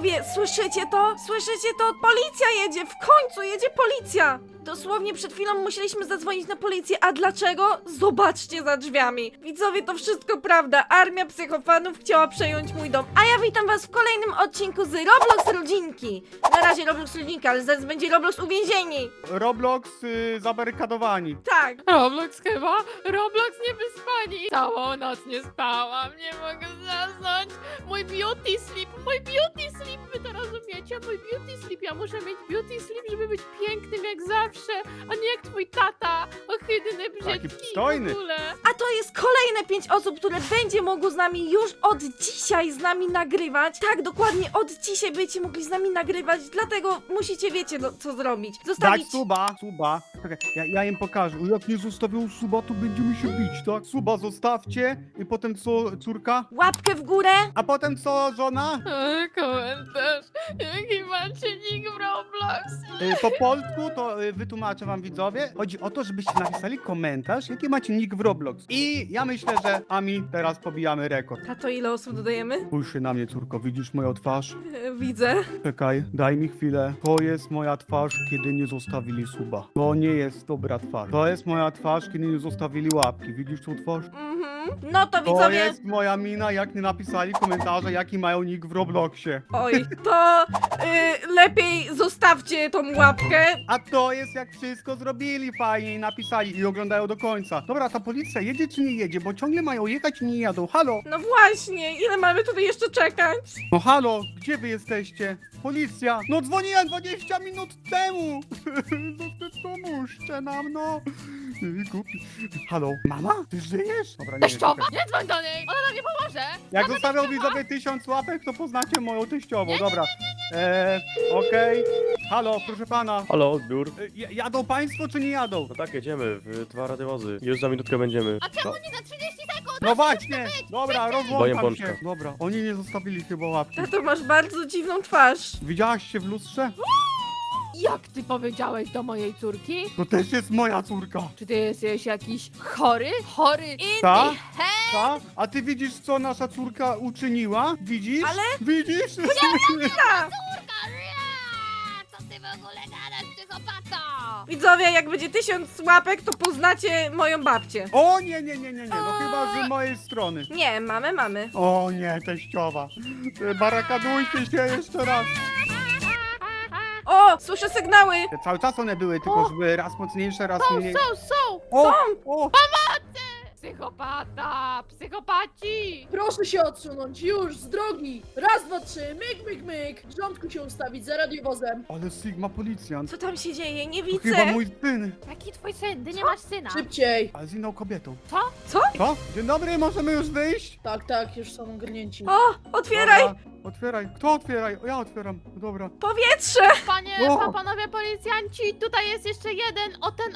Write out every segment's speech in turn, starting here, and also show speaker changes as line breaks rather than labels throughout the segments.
Widzowie, słyszycie to? Słyszycie to? Policja jedzie! W końcu jedzie policja! Dosłownie przed chwilą musieliśmy zadzwonić na policję, a dlaczego? Zobaczcie za drzwiami. Widzowie, to wszystko prawda. Armia psychofanów chciała przejąć mój dom. A ja witam was w kolejnym odcinku z Roblox Rodzinki. Na razie Roblox Rodzinka, ale zaraz będzie Roblox Uwięzieni.
Roblox zabarykadowani.
Tak.
Roblox chyba? Roblox niewyspani. Całą noc nie spałam, nie mogę zasnąć. Mój beauty sleep, wy to rozumiecie? Mój beauty sleep, ja muszę mieć beauty sleep, żeby być pięknym jak zawsze, a nie jak twój tata, ohydny, brzydki
przystojny.
w ogóle.
A to jest kolejne 5 osób, które będzie mogło z nami już od dzisiaj z nami nagrywać. Tak, dokładnie od dzisiaj będziecie mogli z nami nagrywać, dlatego musicie, wiecie, no, co zrobić.
Dać
Zostawić...
suba. Czekaj, ja im pokażę. Jak nie zostawią suba, to będziemy się bić, tak? Suba zostawcie i potem co, córka?
Łapkę w górę.
A potem co, żona?
Komentarz, jaki macie nick w Roblox?
Po polsku to wytłumaczę wam, widzowie. Chodzi o to, żebyście napisali komentarz, jaki macie nick w Roblox. I ja myślę, że Ami, teraz pobijamy rekord.
Tato, ile osób dodajemy?
Spójrz się na mnie, córko, widzisz moją twarz?
Widzę.
Czekaj, daj mi chwilę. To jest moja twarz, kiedy nie zostawili suba. To nie jest dobra twarz. To jest moja twarz, kiedy nie zostawili łapki. Widzisz tą twarz?
No to
To
widzowie...
jest moja mina, jak nie napisali komentarze, jaki mają nick w Robloxie.
Oj, to lepiej zostawcie tą łapkę.
A to jest jak wszystko zrobili fajnie i napisali i oglądają do końca. Dobra, ta policja jedzie czy nie jedzie, bo ciągle mają jechać i nie jadą. Halo?
No właśnie, ile mamy tutaj jeszcze czekać?
No halo, gdzie wy jesteście? Policja! No dzwoniłem 20 minut temu! No ty pomóżcie nam, no! Głupi. Halo, mama? Ty żyjesz? Dobra, nie
Teściowa?
czekaj.
Nie dzwoń do niej, ona nam nie pomoże.
Jak zostawią widzowie 1000 łapek, to poznacie moją teściową, dobra. Okej. Halo, proszę pana.
Halo, odbiór.
Jadą państwo czy nie jadą?
No tak, jedziemy w 2 radiowozy. Już za minutkę będziemy.
A czemu nie za 30 sekund?
No właśnie! Dobra,
Boję
rozłączam
pączka.
się. Dobra, oni nie zostawili chyba łapki.
Tato, masz bardzo dziwną twarz.
Widziałaś się w lustrze?
Jak ty powiedziałeś do mojej córki?
To też jest moja córka.
Czy ty jesteś jakiś chory? Chory?
Ta?
Hej!
Ta? A ty widzisz, co nasza córka uczyniła? Widzisz?
Ale-
Widzisz?
Ta.
Co ty w ogóle gadasz, psychopato?
Widzowie, jak będzie 1000 łapek, to poznacie moją babcię.
O nie, no chyba z mojej strony.
Nie, mamy.
O nie, teściowa. Barakadujcie się jeszcze raz.
O, słyszę sygnały.
Cały czas one były, tylko że były raz mocniejsze, raz mniej.
Są!
O, o,
Psychopata! Psychopaci!
Proszę się odsunąć, już, z drogi! Raz, dwa, trzy, myk! W rządku się ustawić, za radiowozem.
ale Sigma policjant.
Co tam się dzieje? Nie
To
widzę.
chyba mój syn.
Jaki twój syn? Ty nie masz syna.
Szybciej!
Ale z inną kobietą.
Co?
Co? Dzień dobry, możemy już wyjść?
Tak, już są ogarnięci.
O, otwieraj.
Dobra, otwieraj. Kto otwieraj? Ja otwieram. Dobra.
Powietrze.
Panie,
O!
panowie policjanci, tutaj jest jeszcze jeden, o ten.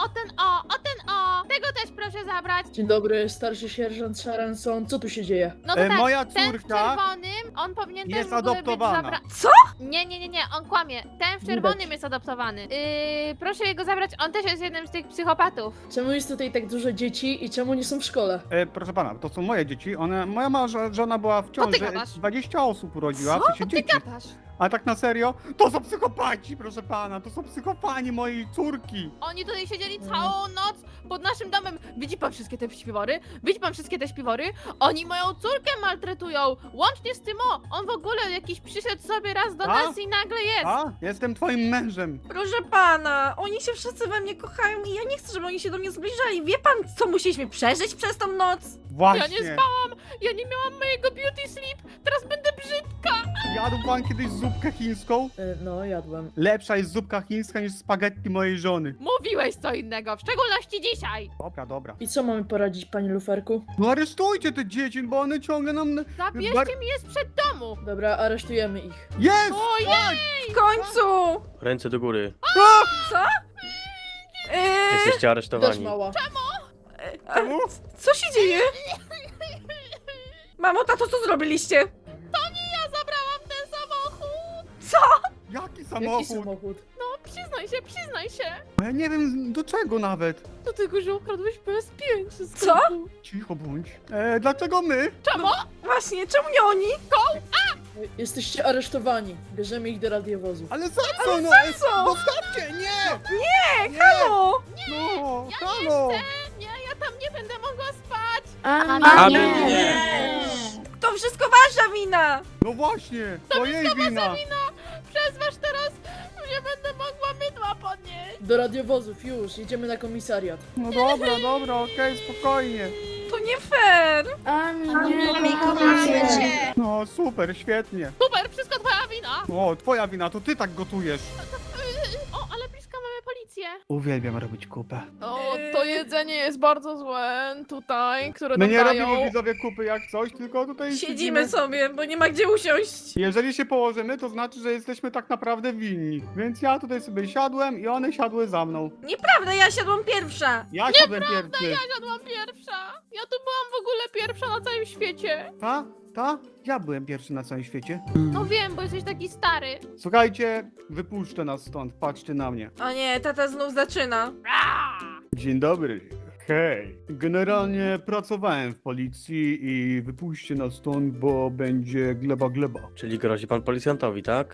Tego też proszę zabrać.
Dzień dobry, starszy sierżant Sharanson, co tu się dzieje?
No to tak,
Moja
ten w
córka
czerwonym, on powinien też
jest
w ogóle
adoptowana.
być
Co?
Nie, on kłamie. Ten w czerwonym
Widać.
jest adoptowany. Proszę jego zabrać, on też jest jednym z tych psychopatów.
Czemu jest tutaj tak dużo dzieci i czemu nie są w szkole?
Proszę pana, to są moje dzieci. Moja żona była w ciąży.
gadasz?
20 osób urodziła,
Co?
w sensie
Ty
dzieci.
gadasz.
A tak na serio? To są psychopaci, proszę pana. To są psychopani mojej córki.
Oni tutaj siedzieli całą noc pod naszym domem. Widzi pan wszystkie te śpiwory? Widzi pan wszystkie te śpiwory? Oni moją córkę maltretują. Łącznie z tym, on w ogóle jakiś przyszedł sobie raz do
A?
nas i nagle jest.
A? Jestem twoim mężem.
Proszę pana, oni się wszyscy we mnie kochają i ja nie chcę, żeby oni się do mnie zbliżali. Wie pan, co musieliśmy przeżyć przez tą noc?
Właśnie.
Ja nie spałam, ja nie miałam mojego beauty sleep. Teraz będę brzydka.
Jadł pan kiedyś zupkę chińską?
No, jadłem.
Lepsza jest zupka chińska niż spaghetti mojej żony.
Mówiłeś co innego, w szczególności dzisiaj.
Dobra.
I co mamy poradzić, panie luferku?
No aresztujcie te dzieci, bo one ciągle nam...
Zabierzcie mi je sprzed domu.
Dobra, aresztujemy ich.
Jest!
Ojej!
W końcu!
Ręce do góry.
Co?
Jesteście
Też
aresztowani.
mała.
Czemu?
Co się dzieje? Mamo, tato, co zrobiliście?
Ja zabrałam ten samochód.
Co?
Jaki
Jaki
samochód?
samochód?
No, przyznaj się.
Ja nie wiem do czego nawet.
Do tego, że ukradłeś PS5 z
Co?
sklepu.
Cicho bądź. Dlaczego my?
Czemu?
Właśnie, czemu nie oni?
Jesteście aresztowani. Bierzemy ich do radiowozu.
Ale za co, no?
co?
Zostawcie, nie!
Nie, halo!
No,
Ja
halo!
Nie, ja tam nie będę mogła spać.
Aby nie.
To wszystko wasza wina!
No właśnie, to jej wina.
Przez was teraz nie będę mogła mydła podnieść.
Do radiowozów, już. Jedziemy na komisariat.
No dobra, okej, spokojnie.
To nie fair!
No super, świetnie.
Super, wszystko twoja wina.
O, twoja wina, to ty tak gotujesz.
O, ale blisko mamy policję.
Uwielbiam robić kupę.
O, to jedzenie jest bardzo złe tutaj, które
My
nam
nie
dają.
robimy widzowie kupy jak coś, tylko tutaj
Siedzimy sobie, bo nie ma gdzie usiąść.
Jeżeli się położymy, to znaczy, że jesteśmy tak naprawdę winni. Więc ja tutaj sobie siadłem i one siadły za mną.
Nieprawda, ja siadłam pierwsza.
Ja siadłem pierwszy.
Ja siadłam pierwsza. Ja tu byłam w ogóle pierwsza na całym świecie.
Ta? Ja byłem pierwszy na całym świecie.
No wiem, bo jesteś taki stary.
Słuchajcie, wypuszczę nas stąd, patrzcie na mnie.
O nie, tata znów zaczyna.
Dzień dobry. Hej. Generalnie pracowałem w policji i wypuśćcie nas stąd, bo będzie gleba.
Czyli grozi pan policjantowi, tak?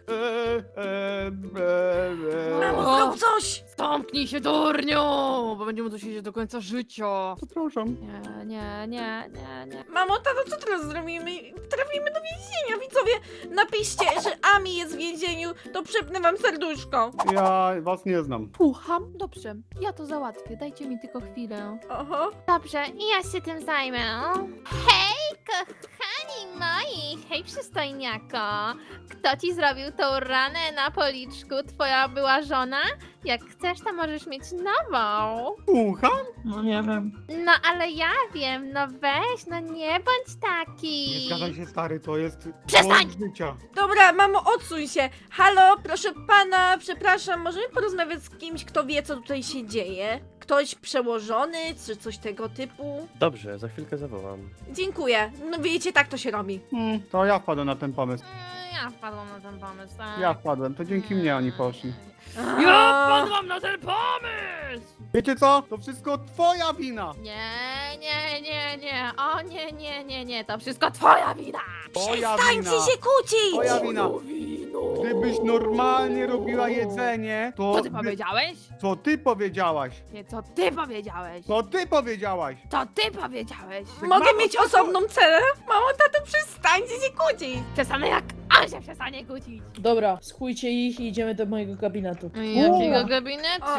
Mamo,
O.
zrób coś!
Zamknij się, durniu, bo będziemy tu siedzieć do końca życia.
Przepraszam.
Nie.
Mamo, tato, co teraz zrobimy? Trafimy do więzienia, widzowie! Napiszcie, że Ami jest w więzieniu, to przypnę wam serduszko.
Ja was nie znam.
Słucham? Dobrze, ja to załatwię, dajcie mi tylko chwilę.
Oho.
Dobrze, i ja się tym zajmę. Hej, kochani moi! Hej, przystojniako! Kto ci zrobił tą ranę na policzku? Twoja była żona? Jak chcesz, to możesz mieć nową.
Słucham?
No, ale ja wiem, no weź, no nie bądź taki.
Nie zgadzaj się, stary, to jest
Przestań!
błąd życia.
Dobra, mamo, odsuń się. Halo, proszę pana, przepraszam, możemy porozmawiać z kimś, kto wie, co tutaj się dzieje? Ktoś przełożony, czy coś tego typu?
Dobrze, za chwilkę zawołam.
Dziękuję. No wiecie, tak to się robi.
To ja wpadłem na ten pomysł.
Ja wpadłam na ten pomysł, tak?
Ja wpadłem, to dzięki mnie oni poszli.
Ja wpadłam na ten pomysł!
Wiecie co? To wszystko twoja wina!
Nie. O nie, to wszystko twoja wina.
Twoja
Przestańcie
wina!
się kłócić!
Twoja wina! Gdybyś normalnie robiła jedzenie, to...
Co ty powiedziałeś?
Co ty powiedziałaś?
Nie, co ty powiedziałeś?
Co ty powiedziałaś?
Co ty powiedziałeś?
Mogę
Mamo,
mieć
co to?
osobną celę? Mamo, tato, przestańcie się kłócić!
Przestanę jak on się przestanie kłócić.
Dobra, schujcie ich i idziemy do mojego gabinetu.
Jakiego gabinetu?
O,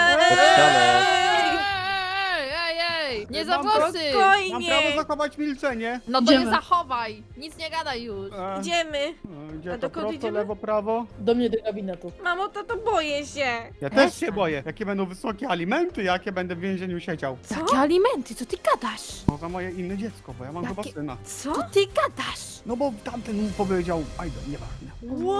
Ej, nie za
Mam
włosy!
Mam
Spokojnie!
prawo zachować milczenie.
No to nie zachowaj, nic nie gadaj już.
Idziemy.
Gdzie
A
to
dokąd
prosto,
idziemy?
lewo, prawo?
Do mnie do gabinetu.
Mamo, tato, boję się.
Ja też się boję. Jakie będą wysokie alimenty, jakie będę w więzieniu siedział.
Co?
Jakie alimenty, co ty gadasz?
To za moje inne dziecko, bo ja mam chyba
Jakie-
syna.
Co?
Co ty gadasz?
No bo tamten mu powiedział, nieważne.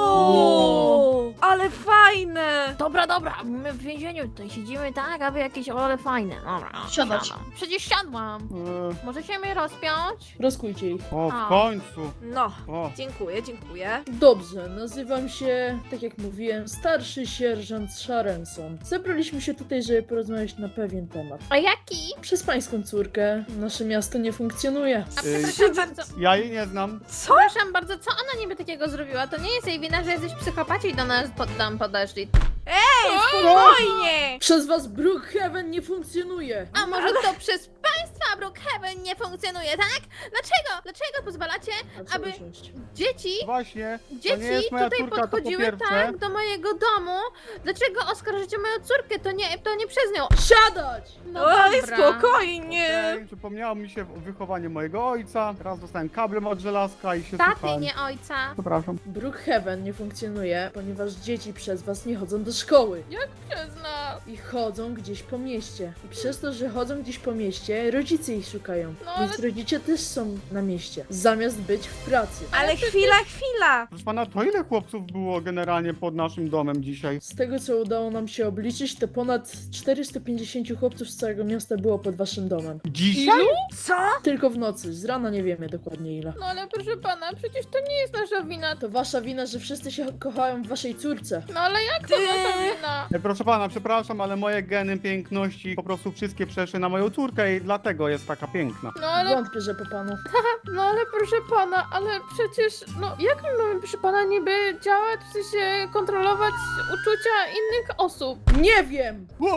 Wow! Ale fajne!
Dobra, my w więzieniu tutaj siedzimy tak, aby jakieś ale fajne. Dobra,
Siadać.
siadam. Przecież siadłam.
E,
Możecie mnie rozpiąć?
Rozkujcie ich.
O,
A.
w końcu.
No,
O,
dziękuję.
Dobrze, nazywam się, tak jak mówiłem, starszy sierżant Sharenson. Zebraliśmy się tutaj, żeby porozmawiać na pewien temat.
A jaki?
Przez pańską córkę nasze miasto nie funkcjonuje.
A
Ej.
przepraszam bardzo.
ja jej nie znam.
Co?
Przepraszam bardzo, co ona niby takiego zrobiła? To nie jest jej wina, że jesteś psychopaci i do nas tam podeszli.
Spokojnie!
Przez was Brookhaven nie funkcjonuje!
A może to przez państwa Brookhaven nie funkcjonuje, tak? Dlaczego pozwalacie,
A co
aby
usiąść?
dzieci
Właśnie, to nie
Dzieci
jest moja
tutaj
córka, to po
podchodziły
pierwsze.
tak do mojego domu. Dlaczego oskarżycie moją córkę? To nie przez nią.
Siadać!
No
Oj,
dobra.
spokojnie!
Okej, przypomniało mi się wychowanie mojego ojca. Teraz dostałem kablem od żelazka i się
Taty,
słuchałem.
nie ojca.
Przepraszam.
Brookhaven nie funkcjonuje, ponieważ dzieci przez was nie chodzą do szkoły.
Przez nas.
I chodzą gdzieś po mieście. I przez to, że chodzą gdzieś po mieście, rodzice ich szukają.
No,
Więc rodzice też są na mieście, zamiast być w pracy.
Ale chwila!
Proszę pana, to ile chłopców było generalnie pod naszym domem dzisiaj?
Z tego, co udało nam się obliczyć, to ponad 450 chłopców z całego miasta było pod waszym domem.
Dzisiaj?
Co?
Tylko w nocy, z rana nie wiemy dokładnie ile.
No ale proszę pana, przecież to nie jest nasza wina.
To wasza wina, że wszyscy się kochają w waszej córce.
No ale jak to nasza wina?
Proszę pana, przepraszam, ale moje geny piękności po prostu wszystkie przeszły na moją córkę i dlatego jest taka piękna.
No ale,
Wątpię, że po panu.
no ale proszę pana, ale przecież, no jak my mamy, proszę pana, niby działać, w sensie kontrolować uczucia innych osób?
Nie wiem!
O,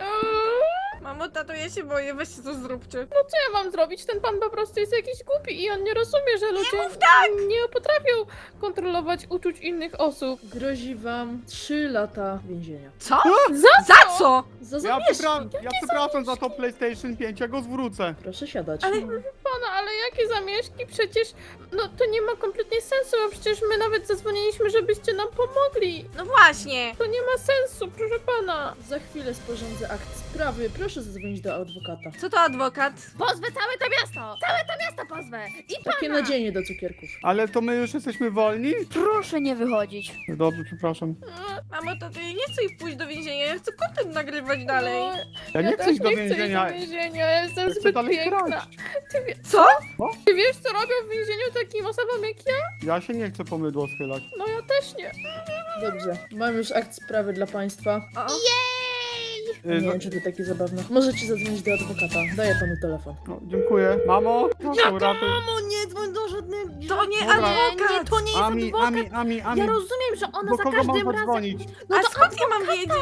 Mamo, tato, ja się boję, weźcie to zróbcie.
No co ja mam zrobić? Ten pan po prostu jest jakiś głupi i on nie rozumie, że ludzie nie potrafią kontrolować uczuć innych osób.
Grozi wam 3 lata więzienia.
Co?
Za
Za co?
Za
ja
zamieszki!
przepraszam za to PlayStation 5, ja go zwrócę.
Proszę siadać.
Ale-
pana, ale jakie zamieszki? Przecież, no to nie ma kompletnie sensu, bo przecież my nawet zadzwoniliśmy, żebyście nam pomogli.
No właśnie.
To nie ma sensu, proszę pana.
Za chwilę sporządzę akt sprawy. Proszę zadzwonić do adwokata.
Co to adwokat?
Pozwę całe to miasto! Całe to miasto pozwę! I
Takie
pana!
nadzienie do cukierków.
Ale to my już jesteśmy wolni?
Proszę nie wychodzić.
Dobrze, przepraszam.
Mamo, tato, ja nie chcę ich pójść do więzienia, ja chcę content nagrywać dalej.
No,
Ja nie chcę
też
iść do
nie chcę
więzienia.
iść do więzienia, ja jestem
Ja chcę
zbyt
dalej
piękna.
kraść.
Co?
Ty wiesz, co robią w więzieniu takim osobom jak ja?
Ja się nie chcę po mydło schylać.
No ja też nie.
Dobrze, mam już akt sprawy dla państwa.
O,
Nie wiem, czy to takie zabawne. Możecie zadzwonić do adwokata. Daję panu telefon.
No, dziękuję. Mamo, proszę uratuj.
Mamo, nie dzwoń do żadnego...
to nie
Dobra.
adwokat.
to nie jest
Ami,
adwokat.
Ami.
Ja rozumiem, że ona
Do
za
kogo mam
każdym razem...
zadzwonić?
No
A
to
skąd ja mam wiedzieć?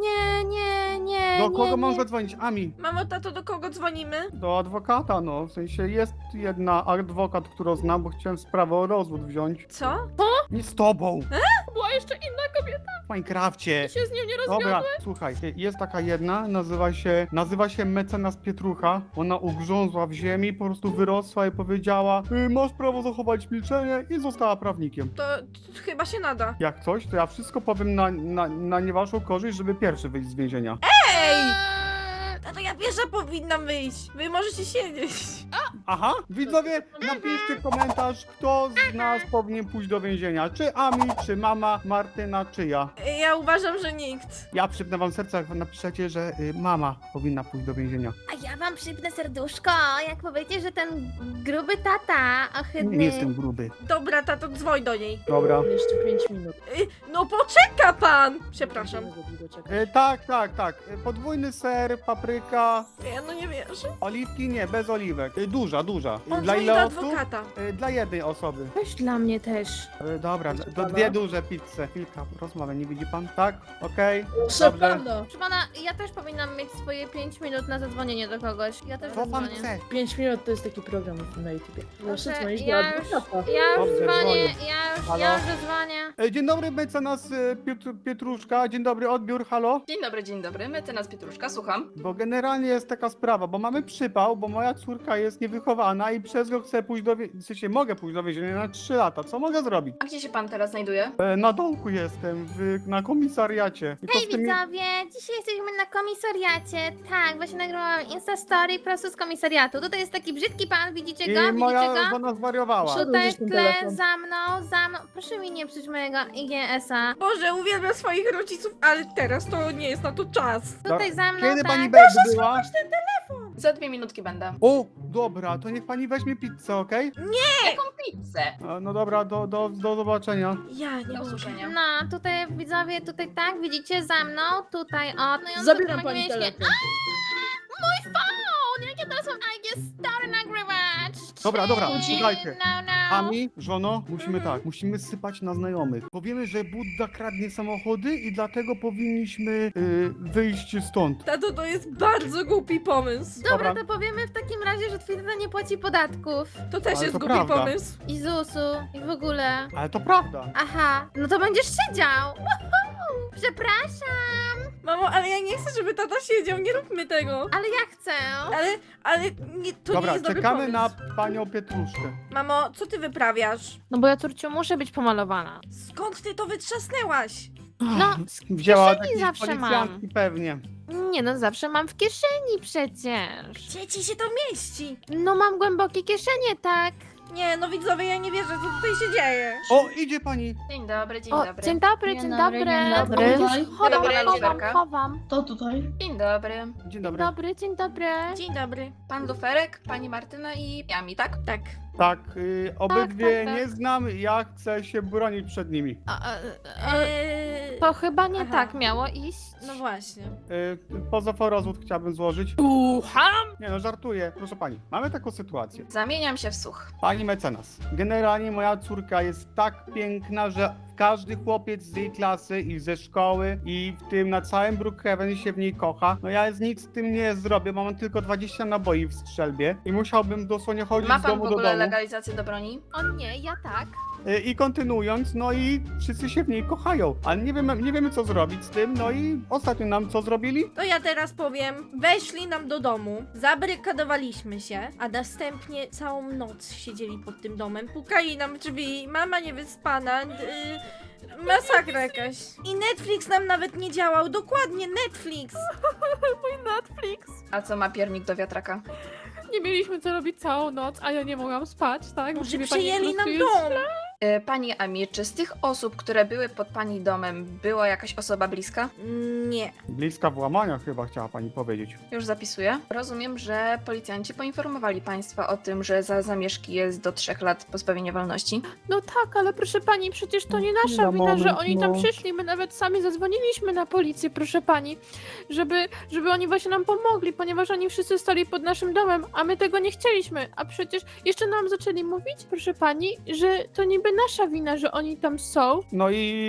nie,
Do kogo
nie,
mam
nie.
zadzwonić? Ami.
Mamo, tato, do kogo dzwonimy?
Do adwokata, no. W sensie jest jedna adwokat, którą znam, bo chciałem sprawę o rozwód wziąć.
Co?
Nie z tobą.
Była jeszcze inna kobieta
W Minecrafcie.
i się z nią nie rozwiodła.
Dobra, słuchaj, jest taka jedna, nazywa się mecenas Pietrucha. Ona ugrzązła w ziemi, po prostu wyrosła i powiedziała: masz prawo zachować milczenie, i została prawnikiem.
To chyba się nada.
Jak coś, to ja wszystko powiem na nie waszą korzyść, żeby pierwszy wyjść z więzienia.
Ej! Tato, ja pierwsza powinnam wyjść. Wy możecie siedzieć.
Aha, widzowie, napiszcie komentarz, kto z nas powinien pójść do więzienia. Czy Ami, czy mama, Martyna, czy ja.
Ja uważam, że nikt.
Ja przypnę wam serce, jak napiszecie, że mama powinna pójść do więzienia.
A ja wam przypnę serduszko, jak powiecie, że ten gruby tata ohydny...
Nie jestem gruby.
Dobra, tato, dzwoń do niej.
Dobra.
Jeszcze 5 minut.
No poczeka pan! Przepraszam.
Nie będę długo czekać.
Tak. Podwójny ser, papryka,
Ja no nie wierzę.
oliwki nie, bez oliwek. Duża.
On
Dla
dzwoni
ile
do
osób?
adwokata.
Dla jednej osoby.
Weź dla mnie też.
Dobra,
Proszę
to
pana.
2 duże pizze. Chwilka, rozmowę, nie widzi pan? Tak? Okej.
Proszę
Dobrze.
pana!
Proszę pana, ja też powinnam mieć swoje 5 minut na zadzwonienie do kogoś. Ja też
Co pan
zadzwonię.
chce?
5 minut to jest taki program na YouTubie. Proszę
Dobrze,
dzwonić do
ja już-
adwokata.
Ja już
Dobrze,
dzwonię,
dzwonię.
ja
Halo?
już zadzwonię.
Dzień dobry, mecenas Pietruszka. Dzień dobry, odbiór, halo?
Dzień dobry, mecenas Pietruszka, słucham.
Bo generalnie jest taka sprawa, bo mamy przypał, bo moja córka jest niewychowana i przez rok chcę pójść do więzienia, w sensie mogę pójść do więzienia na 3 lata. Co mogę zrobić?
A gdzie się pan teraz znajduje?
Na dołku jestem, na komisariacie. Tylko
Hej
z tymi-
widzowie, dzisiaj jesteśmy na komisariacie. Tak, właśnie nagrałam Instastory prosto z komisariatu. Tutaj jest taki brzydki pan, widzicie go?
I
Widzicie
moja
go?
żona zwariowała.
Szedł-
Tutaj
Odłożysz ten
tle
telefon.
za mną. Proszę mi nie psuć mojego IGS-a.
Boże, uwielbiam swoich rodziców, ale teraz to nie jest na to czas.
Tutaj za mną,
Kiedy
tak.
pani będzie była?
Za 2 minutki będę.
O, dobra, to niech pani weźmie pizzę, okej?
Jaką pizzę?
No dobra, do zobaczenia.
Ja nie
Do
mogę.
usłyszenia.
No, tutaj widzowie, tutaj tak, widzicie za mną, tutaj o. No i on
Zabieram
tutaj
pani
będzie mieć-
telefon.
Mój phone! Jak ja teraz mam IGS-Story nagrywać?
Dobra,
Chill,
słuchajcie.
no.
Ami, żono, musimy tak, musimy sypać na znajomych. Powiemy, że Budda kradnie samochody i dlatego powinniśmy wyjść stąd.
Tato, to jest bardzo głupi pomysł.
Dobra,
Dobra.
to powiemy w takim razie, że twój tata nie płaci podatków.
To też
Ale
jest
to
głupi
prawda.
pomysł.
I ZUS-u, i w ogóle.
Ale to prawda.
Aha, no to będziesz siedział. Woohoo! Przepraszam,
Mamo, ale ja nie chcę, żeby tata siedział, nie róbmy tego.
ale ja chcę.
Ale nie, to nie
Dobra,
jest dobry
czekamy
pomysł.
na panią Pietruszkę.
Mamo, co ty wyprawiasz?
No bo ja, córciu, muszę być pomalowana.
Skąd ty to wytrzasnęłaś?
No,
Wzięła
kieszeni
jakieś
zawsze
policjantki pewnie.
Nie no, zawsze mam w kieszeni przecież.
Gdzie ci się to mieści?
No mam głębokie kieszenie, tak.
Nie, no widzowie, ja nie wierzę, co tutaj się dzieje.
O, idzie pani.
Dzień dobry, dzień
O,
dobry.
dzień dobry,
Dzień
dzień
dobry,
dobry.
dzień dobry.
Chowam,
Dobra,
chowam,
Luferka.
chowam.
To tutaj.
Dzień dobry.
Dzień
Dzień
dobry.
dobry, dzień dobry.
Dzień dobry.
Pan Luferek, pani Martyna i Ami, tak?
Tak.
Tak, obydwie
tak.
nie znam, ja chcę się bronić przed nimi.
To chyba nie
Aha.
tak miało iść.
No właśnie.
Poza rozwód chciałbym złożyć.
Słucham?
Nie no, żartuję. Proszę pani, mamy taką sytuację.
Zamieniam się w słuch.
Pani mecenas, generalnie moja córka jest tak piękna, że każdy chłopiec z jej klasy i ze szkoły i w tym na całym Brookhaven się w niej kocha. No ja z nic z tym nie zrobię, mam tylko 20 naboi w strzelbie i musiałbym dosłownie chodzić
Ma
z
pan w
domu do
ogóle
domu.
legalizację do broni?
O nie, ja tak.
I kontynuując, no i wszyscy się w niej kochają, ale nie wiemy co zrobić z tym, no i ostatnio nam co zrobili?
To ja teraz powiem, weszli nam do domu, zabrykadowaliśmy się, a następnie całą noc siedzieli pod tym domem, pukali nam w drzwi, mama niewyspana, masakra jakaś. I Netflix nam nawet nie działał, dokładnie Netflix.
Netflix.
A co ma piernik do wiatraka?
Nie mieliśmy co robić całą noc, a ja nie mogłam spać, tak?
Może
Ciebie pani
przejęli
po
nam
prostu jest-
dom.
Pani Amir, czy z tych osób, które były pod pani domem, była jakaś osoba bliska?
Nie.
Bliska włamania chyba chciała pani powiedzieć.
Już zapisuję. Rozumiem, że policjanci poinformowali państwa o tym, że za zamieszki jest do 3 lat pozbawienia wolności.
No tak, ale proszę pani, przecież to nie nasza
Na
wina, że
moment,
oni tam
no.
przyszli. My nawet sami zadzwoniliśmy na policję, proszę pani, żeby oni właśnie nam pomogli, ponieważ oni wszyscy stali pod naszym domem, a my tego nie chcieliśmy. A przecież jeszcze nam zaczęli mówić, proszę pani, że to niby nasza wina, że oni tam są.
No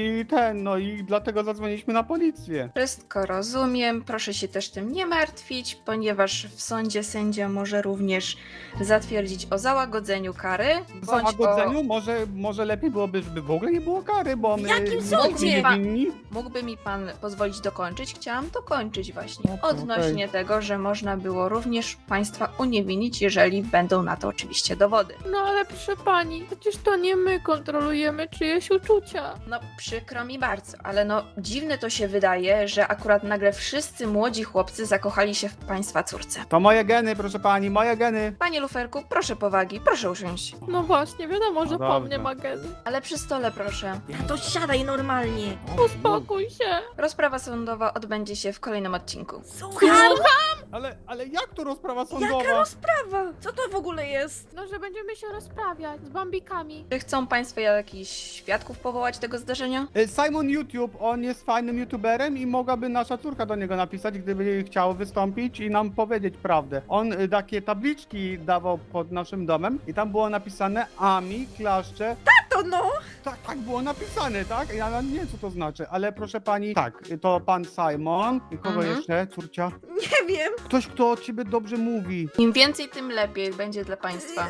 i dlatego zadzwoniliśmy na policję.
Wszystko rozumiem, proszę się też tym nie martwić, ponieważ w sądzie sędzia może również zatwierdzić o załagodzeniu kary,
W
bądź
załagodzeniu może lepiej byłoby, żeby w ogóle nie było kary, bo my
jakim
my
sądzie?
niewinni.
Mógłby mi pan pozwolić dokończyć? Chciałam dokończyć właśnie.
Okej.
Odnośnie tego, że można było również państwa uniewinnić, jeżeli będą na to oczywiście dowody.
No ale proszę pani, przecież to nie my kontrolujemy czyjeś uczucia.
No przykro mi bardzo, ale no dziwne to się wydaje, że akurat nagle wszyscy młodzi chłopcy zakochali się w państwa córce.
To moje geny, proszę pani, moje geny.
Panie Luferku, proszę powagi, proszę usiąść.
No właśnie, wiadomo, że po
dobrze.
mnie magazyn.
Ale przy stole proszę.
To siadaj normalnie.
Uspokój się.
Rozprawa sądowa odbędzie się w kolejnym odcinku.
Słucham?
Ale jak to rozprawa
Jaka
sądowa?
rozprawa? Co to w ogóle jest?
No, że będziemy się rozprawiać z bambikami.
Czy chcą państwo jakichś świadków powołać tego zdarzenia?
Simon YouTube, on jest fajnym youtuberem i mogłaby nasza córka do niego napisać, gdyby chciał wystąpić i nam powiedzieć prawdę. On takie tabliczki dawał pod naszym domem i tam było napisane Ami, klaszcze.
To no.
Tak było napisane, tak? Ja nie wiem co to znaczy, ale proszę pani, tak, to pan Simon. I kogo
Mhm.
jeszcze, córcia?
Nie wiem.
Ktoś, kto o ciebie dobrze mówi.
Im więcej, tym lepiej będzie dla państwa.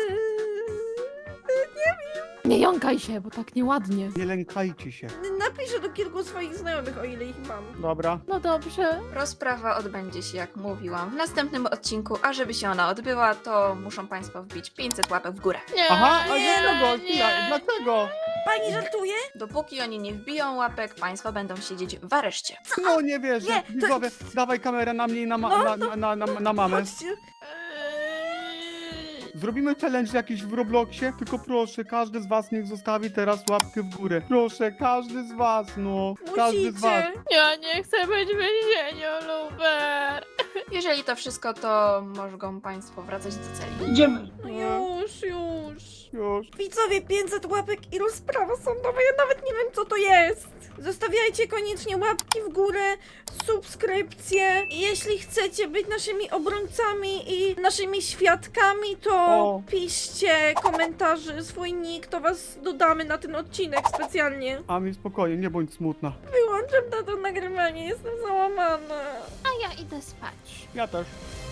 Nie jąkaj się, bo tak nieładnie.
Nie lękajcie się.
Napiszę do kilku swoich znajomych, o ile ich mam.
Dobra.
No dobrze.
Rozprawa odbędzie się, jak mówiłam, w następnym odcinku, a żeby się ona odbyła, to muszą państwo wbić 500 łapek w górę.
Nie,
Aha, a
nie,
dlaczego?
nie.
Dlaczego?
Pani żartuje?
Dopóki oni nie wbiją łapek, państwo będą siedzieć w areszcie.
No nie wierzę.
Nie, to-
Widzowie, dawaj kamerę na mnie i na mamę.
Chodźcie.
Zrobimy challenge jakiś w Robloxie, tylko proszę, każdy z was niech zostawi teraz łapkę w górę. Proszę, każdy z was, no. Każdy z was.
Musicie.
Ja nie chcę być w więzieniu, Luber.
Jeżeli to wszystko, to mogą państwo wracać do celi.
Idziemy.
Już.
Już.
Widzowie, 500 łapek i rozprawa sądowa, ja nawet nie wiem co to jest. Zostawiajcie koniecznie łapki w górę, subskrypcje. I jeśli chcecie być naszymi obrońcami i naszymi świadkami, to
O.
piszcie komentarzy, swój nick, to was dodamy na ten odcinek specjalnie.
Ami, spokojnie, nie bądź smutna.
Wyłączam na to nagrywanie, jestem załamana.
A ja idę spać.
Ja też.